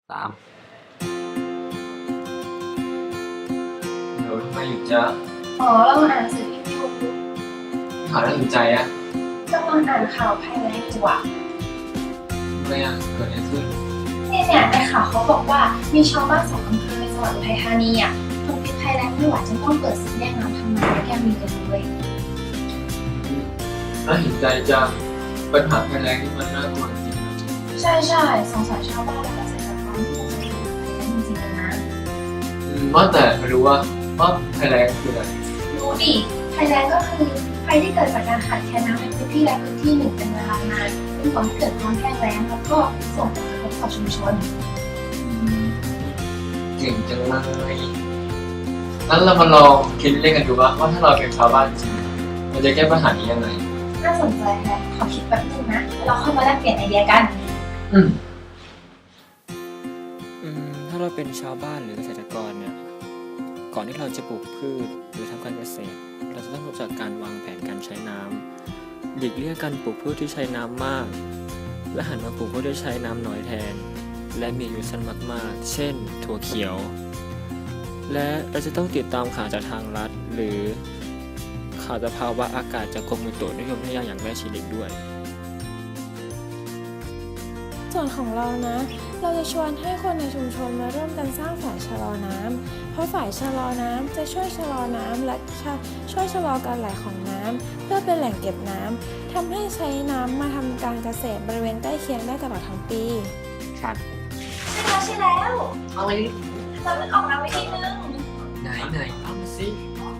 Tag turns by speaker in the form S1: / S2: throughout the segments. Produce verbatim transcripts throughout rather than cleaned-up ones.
S1: สามเดี๋ยวทำไมอยู่จ้า
S2: อ๋อเราอ่านหนังสือพิมพ์อยู่
S1: ข่าวน่าสนใจอะ
S2: กำลังอ่านข่าวภัยแล้งอยู่อะ
S1: ทำไมอะเกิดอะไรขึ้น
S2: เนี่ยเนี่ยในข่าวเขาบอกว่ามีชาวบ้านสองอำเภอในจังหวัดอุทัยธานีอะทนพิษภัยแล้งไม่ไหวจนต้องเปิดศึกแย่งน้ำทำนาและแก้มีกันเลย
S1: น่าเห็นใจจังปัญหาภัยแล้งนี่มันน่ากลัวจริงนะ
S2: ใช่ใช่สงสารชาวบ้านและเกษตรกรที่ต้องเจอปัญหาภัยแล้งจริงๆเลยนะ
S1: อืมว่าแต่ไม่รู้ว่าว่าภัยแล้งคืออะไร
S2: รู้ดิภัยแล้งก็คือภัยที่เกิดจากการขาดแคลนน้ำในพื้นที่ใดพื้นที่หนึ่งเป็นเวลานานจนก่อให้เกิดความแห้งแล้งแล้วก็ส่งผลกระทบต่อชุมชน
S1: เก่งจังเลยงั้นเรามาลองคิดเล่นกันดูว่าว่าถ้าเราเป็นชาวบ้านจริงเราจะแก้ปัญหานี้ยังไง
S2: น่าสนใจแฮะขอคิดแป๊บนึงนะแล้วเราค่อยมาแลกเปลี่ยนไอเดียกัน
S1: อืม
S3: อืมถ้าเราเป็นชาวบ้านหรือเกษตรกรเนี่ยก่อนที่เราจะปลูกพืชหรือทำการเกษตรเราจะต้องรู้จักการวางแผนการใช้น้ำหลีกเลี่ยงการปลูกพืชที่ใช้น้ำมากและหันมาปลูกพืชที่ใช้น้ำน้อยแทนและมีอายุสั้นมากๆเช่นถั่วเขียวและเราจะต้องติดตามข่าวจากทางรัฐหรือข่าวสภาวะอากาศจากกรมอุตุนิยมวิทยาอย่างใกล้ชิดอีกด้วย
S4: ส่วนของเรานะ เราจะชวนให้คนในชุมชนมาร่วมกันสร้างฝ่ายชะลอน้ำเพราะฝ่ายชะลอน้ำจะช่วยชะลอน้ำและช่วยชะลอการไหลของน้ำเพื่อเป็นแหล่งเก็บน้ำทำให้ใช้น้ำมาทำการเกษตรบริเวณใกล้เคียงได้ตลอดทั้งปี
S1: ครับ
S2: ใช่แล้วใช่แล้ว
S1: เอาเลย
S2: เราออกมาวิธีนึง
S1: ไหนไหนเอามาสิ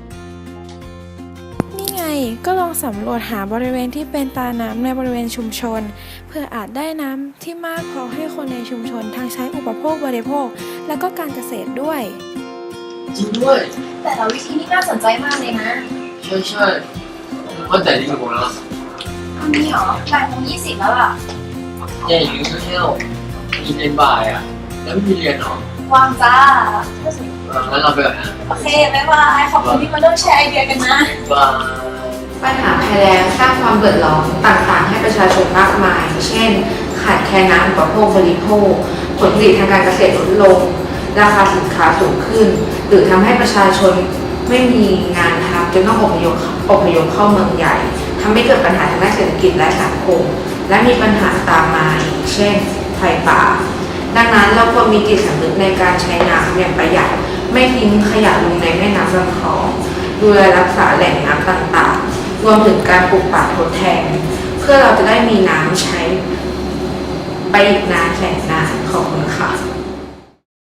S4: นี่ไงก็ลองสำรวจหาบริเวณที่เป็นตาน้ำในบริเวณชุมชนเพื่ออาจได้น้ำที่มากพอให้คนในชุมชนทั้งใช้อุปโภคบริโภคและก็การเกษตรด้วย
S1: จริงด้วย
S2: แต่ละวิธีนี้น่าสนใจมากเลยนะ
S1: ใช่ใช่ว่าแต่นี่กี่โมงแล้วล่ะ
S2: ตอนนี้เหรอบ่ายโมงยี่สิบแล้วล่ะ
S1: แย่อย่างนี้ก็เที่ยวกินในบ่ายอ่ะแล้วไม่มีเรียนหรอ
S2: วางจ้า
S1: งั้นเราไปก่อนนะ
S2: โอเคบ๊ายบายขอบคุณที่มาร่วมแชร์ไอเดียกันนะ
S1: บาย
S5: ปัญหาภัยแล้งสร้างความเดือดร้อนต่างๆให้ประชาชนมากมายเช่นขาดแคลนน้ำอุปโภคบริโภคผลผลิตทางการเกษตรลดลงราคาสินค้าสูงขึ้นหรือทำให้ประชาชนไม่มีงานทำจนต้องอพยพอพยพเข้าเมืองใหญ่ทำให้เกิดปัญหาทางด้านเศรษฐกิจและสังคมและมีปัญหาตามมาเช่นไฟป่าดังนั้นเราควรมีจิตสำนึกในการใช้น้ำอย่างประหยัดไม่ทิ้งขยะลงในแม่น้ำลำคลองดูแลรักษาแหล่งน้ำต่างๆรวมถึงการปลูกป่าทดแทนเพื่อเราจะได้มีน้ำใช้ไปอีกนานแสนนานขอบคุณค่ะ